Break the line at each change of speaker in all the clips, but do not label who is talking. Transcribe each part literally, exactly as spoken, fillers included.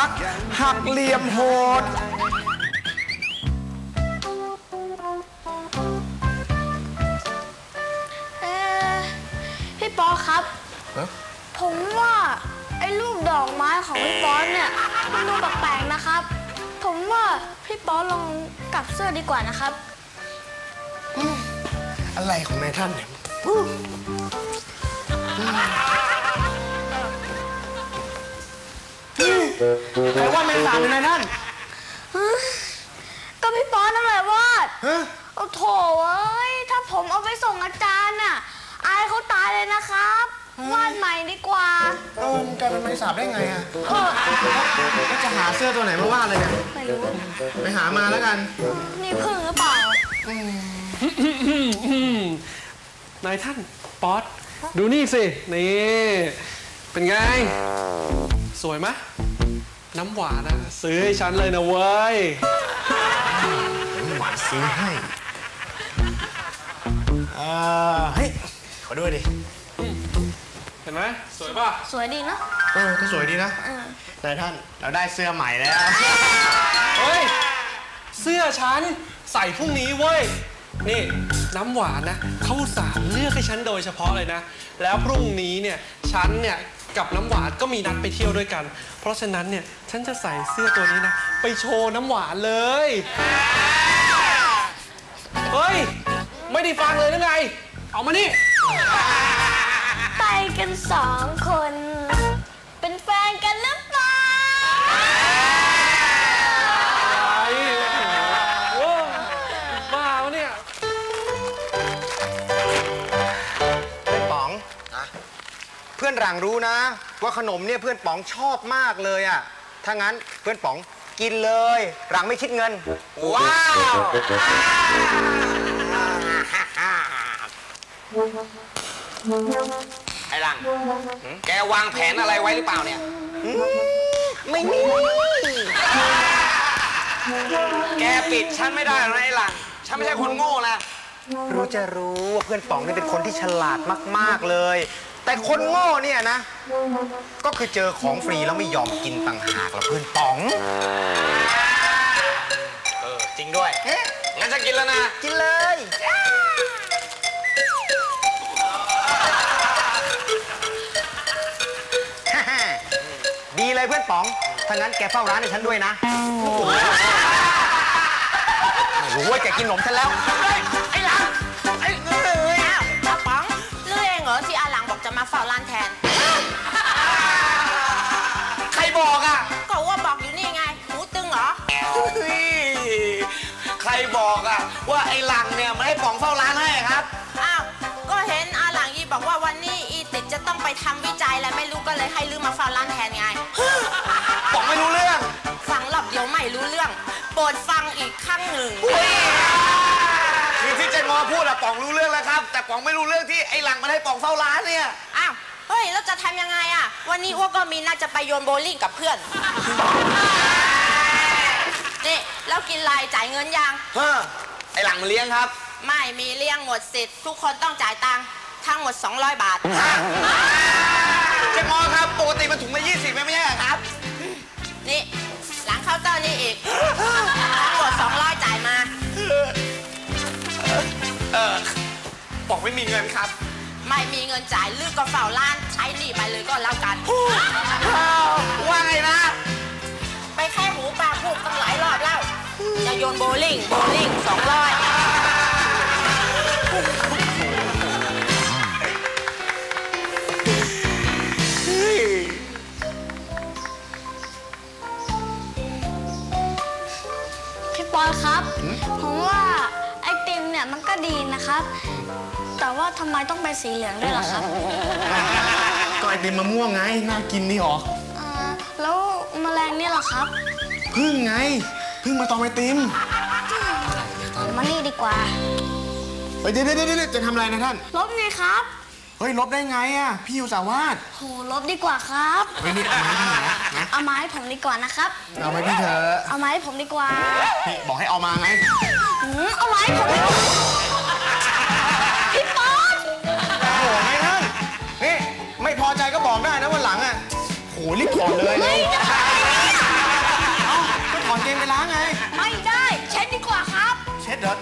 รักหักเหลี่ยมโหด
เออพี่ป๊อครับผมว่าไอ้รูปดอกไม้ของพี่ป๊อเนี่ยมันดูแปลกๆนะครับผมว่าพี่ป๊อลองกลับเสื้อดีกว่านะครับ
อะไรของนายท่านเนี่ยใครว่าแมงสาบเป็นนายท่าน
ก็พี่ป๊อนั่นแหละวาดโอ้โถเอ้ยถ้าผมเอาไปส่งอาจารย์น่ะอายเขาตายเลยนะครับวาดใหม่ดีกว่า
เออมันกลายเป็นแมงสาบได้ไงอ่ะก็จะหาเสื้อตัวไหนมาวาดเลยเนี่ย
ไม่รู้
ไปหามาแล้วกัน
นี่พึ่งหรือเปล่
านายท่านป๊อตดูนี่สินี่เป็นไงสวยไหมน้ำหวานนะซื้อให้ฉันเลยนะเว้ย
น้ำหวานซื้อให้เออเฮ้ยขอด้วยดิ
เห็นไหมสวยป่ะ
สวยดีเนาะ
เออก็สวยดีนะนายท่านเราได้เสื้อใหม่แล้ว
เฮ้ยเสื้อฉันใส่พรุ่งนี้เว้ยนี่น้ำหวานนะเขาอุตส่าห์เลือกให้ฉันโดยเฉพาะเลยนะแล้วพรุ่งนี้เนี่ยฉันเนี่ยกับน้ำหวานก็มีนัดไปเที่ยวด้วยกันเพราะฉะนั้นเนี่ยฉันจะใส่เสื้อตัวนี้นะไปโชว์น้ำหวานเลยเฮ้ยไม่ได้ฟังเลยหรือไงเอามานี่
ไปกันสองคนเป็นแฟนกันหรือเปล่า
บ้าวะเนี่ย
เพื่อนป๋องเพื่อนหลังรู้นะว่าขนมเนี่ยเพื่อนป๋องชอบมากเลยอ่ะถ้างั้นเพื่อนป๋องกินเลยหลังไม่คิดเงินว้าว
ไอ้หลังแกวางแผนอะไรไว้หรือเปล่าเนี่ย
ไม่มี
แกปิดฉันไม่ได้หรอกไอ้หลังฉันไม่ใช่คนโง่นะ
รู้จะรู้ว่าเพื่อนป๋องนี่เป็นคนที่ฉลาดมากๆเลยแต่คนโง่เนี่ยนะก็คือเจอของฟรีแล้วไม่ยอมกินต่างหากละเพื่อนป๋อง
เออจริงด้วยงั้นจะกินแล้วนะ
กินเลยดีเลยเพื่อนป๋องถ้างั้นแกเฝ้าร้านให้ฉันด้วยนะไม่รู้ว่าแกกินขนมฉันแล้ว
ไอ้หลังไอ้เอ้ยอ้าวป้าป๋องเรื่องเองเหรอที่อาหลังบอกจะมาเฝ้าร้านแทน
ใครบอกอ่ะ
ก็ว่าบอกอยู่นี่ไงหูตึงเหรอ
ใครบอกอ่ะว่าไอ้หลังเนี่ยมันให้ป๋องเฝ้าร้านให้ครับ
อ้าวก็เห็นอาหลังอีบอกว่าวันนี้อีติดจะต้องไปทำวิจัยแล้วไม่รู้ก็เลยให้ลืมมาเฝ้าร้านแทนไง
ป๋องไม่รู้เรื่อง
ฟังรอบเดียวไม่รู้เรื่องโปรดฟังอีกครั้งหนึ่ง
คือที่เจนมอพูดอะป๋องรู้เรื่องแล้วครับแต่ป๋องไม่รู้เรื่องที่ไอ้หลังมันให้ป๋องเฝ้าร้านเนี่ย
อ้าวเฮ้ยแล้วจะทำยังไงอะวันนี้อ้วก็มีน่าจะไปโยนโบลิ่งกับเพื่อนนี่แล้วกินไรจ่ายเงินยัง
เฮ้อไอ้หลังมาเลี้ยงครับ
ไม่มีเลี้ยงหมดสิทธิ์ทุกคนต้องจ่ายตังค์ทั้งหมดสองร้อยบาท
เจนมอครับปกติมันถุงละยี่สิบไม่ใช่ครับ
นี่หลังเคาน์เตอร์นี่อีกทั้งหมดสองร้อยจ่ายมา
เออป๋องไม่มีเงินครับ
ไม่มีเงินจ่ายลือก็เฝ้าร้านใช้หนี้ไปเลยก็แล้วกัน
ว่าไงนะ
ไปแค่หูปลาพูดตั้งหลายรอบแล้วจะโยนโบลิ่งโบลิ่งสองร้อย
พี่ปอยครับผมว่าไอติมเนี่ยมันก็ดีนะครับแต่ว่าทำไมต้องเป็นสีเหลืองด้วยล่ะครับ
ก็ไอติมมะม่วงไงน่ากินนี่หรอ
แล้วแมลงเนี่ยล่ะครับ
พึ่งไงพึ่งมาตอมไอติม
มานี่ดีกว่า
เฮ้ยเดี๋ยวเดี๋ยวเดี๋ยวจะทำอะไรนะท่าน
ลบไงครับ
เฮ้ยลบได้ไงอ่ะพี่อยู่สาวาด
โหลบดีกว่าครับ
เฮ้ยนี่เอาไม้พี่นะ
เอาไม้ผมดีกว่านะครับ
เอาไม้พี่เถอะ
เอาไม้ผมดีกว่า
พี่บอกให้เอามาไง
เอาไม้ผมพี่ป๊อต
โอ้โหไงท่านนี่ไม่พอใจก็บอกได้นะวันหลังอ่ะโหรีบถอดเลย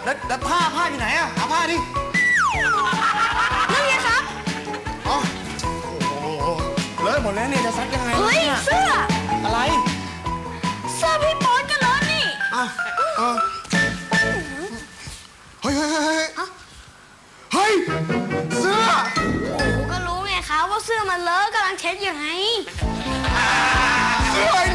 แล้วแล้วผ้าผ้าอยู่ไหนอะหาผ้าดิ
นั่นไงครับ
อ๋อโอ้โหเลอะหมดแล้วเนี่ยจะซักยังไง
เฮ้ย
นี่
เสื้อ
อะไร
เสื้อพี่ป๊อตกันแล้วนี่
อ่ะเออเฮ้ยเฮ้ยเฮ้ยเฮ้ยเฮ้ยเสื้อ
ผมก็รู้ไงครับว่าเสื้อมันเลอะกำลังเช็ดอยู่ไง
เสื้อไอ้